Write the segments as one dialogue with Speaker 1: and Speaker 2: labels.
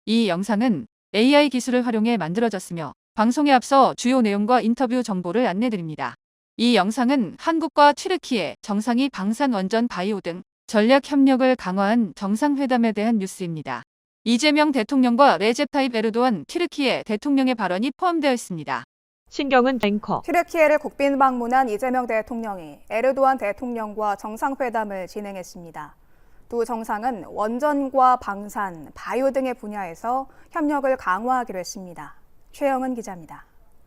Speaker 1: 이 영상은 AI 기술을 활용해 만들어졌으며 방송에 앞서 주요 내용과 인터뷰 정보를 안내드립니다. 이 영상은 한국과 튀르키예, 정상이 방산 원전 바이오 등 전략 협력을 강화한 정상회담에 대한 뉴스입니다. 이재명 대통령과 레제 타입 에르도안 튀르키예 대통령의 발언이 포함되어 있습니다.
Speaker 2: 신경은 앵커.
Speaker 3: 튀르키예를 국빈 방문한 이재명 대통령이 에르도안 대통령과 정상회담을 진행했습니다. 두 정상은 원전과 방산, 바이오 등의 분야에서 협력을 강화하기로 했습니다. 최영은 기자입니다.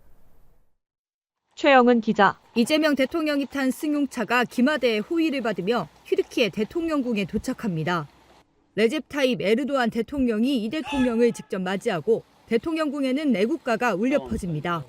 Speaker 2: 최영은 기자.
Speaker 4: 이재명 대통령이 탄 승용차가 기마대의 호위를 받으며 튀르키예 대통령궁에 도착합니다. 레제 타입 에르도안 대통령이 이 대통령을 직접 맞이하고 대통령궁에는 애국가가 울려 퍼집니다.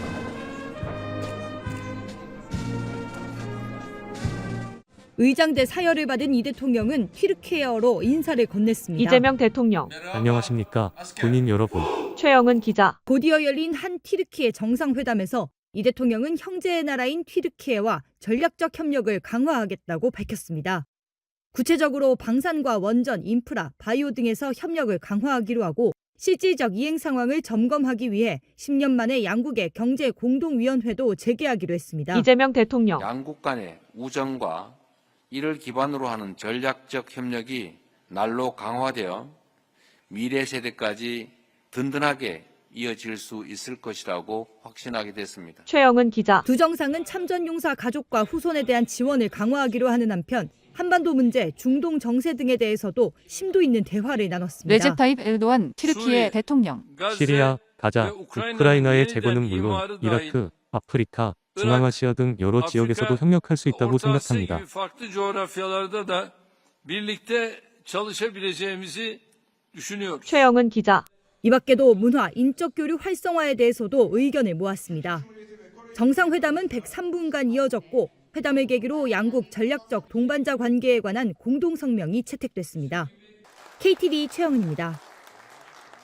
Speaker 4: 의장대 사열을 받은 이 대통령은 튀르키예어로 인사를 건넸습니다.
Speaker 2: 이재명 대통령.
Speaker 5: 안녕하십니까, 군인 여러분.
Speaker 2: 최영은 기자.
Speaker 4: 곧이어 열린 한 튀르키예 정상회담에서 이 대통령은 형제의 나라인 튀르키예와 전략적 협력을 강화하겠다고 밝혔습니다. 구체적으로 방산과 원전, 인프라, 바이오 등에서 협력을 강화하기로 하고 실질적 이행 상황을 점검하기 위해 10년 만에 양국의 경제 공동위원회도 재개하기로 했습니다.
Speaker 2: 이재명 대통령.
Speaker 6: 양국 간의 우정과 이를 기반으로 하는 전략적 협력이 날로 강화되어 미래 세대까지 든든하게 이어질 수 있을 것이라고 확신하게 됐습니다.
Speaker 2: 최영은 기자.
Speaker 4: 두 정상은 참전용사 가족과 후손에 대한 지원을 강화하기로 하는 한편 한반도 문제, 중동 정세 등에 대해서도 심도 있는 대화를 나눴습니다.
Speaker 1: 레제 타입 에르도안 튀르키예 대통령.
Speaker 5: 시리아, 가자, 우크라이나의 재건은 물론 이라크, 아프리카, 중앙아시아 등 여러 지역에서도 협력할 수 있다고 생각합니다.
Speaker 2: 최영은 기자.
Speaker 4: 이 밖에도 문화, 인적 교류 활성화에 대해서도 의견을 모았습니다. 정상회담은 103분간 이어졌고 회담을 계기로 양국 전략적 동반자 관계에 관한 공동성명이 채택됐습니다. KTV 최영은입니다.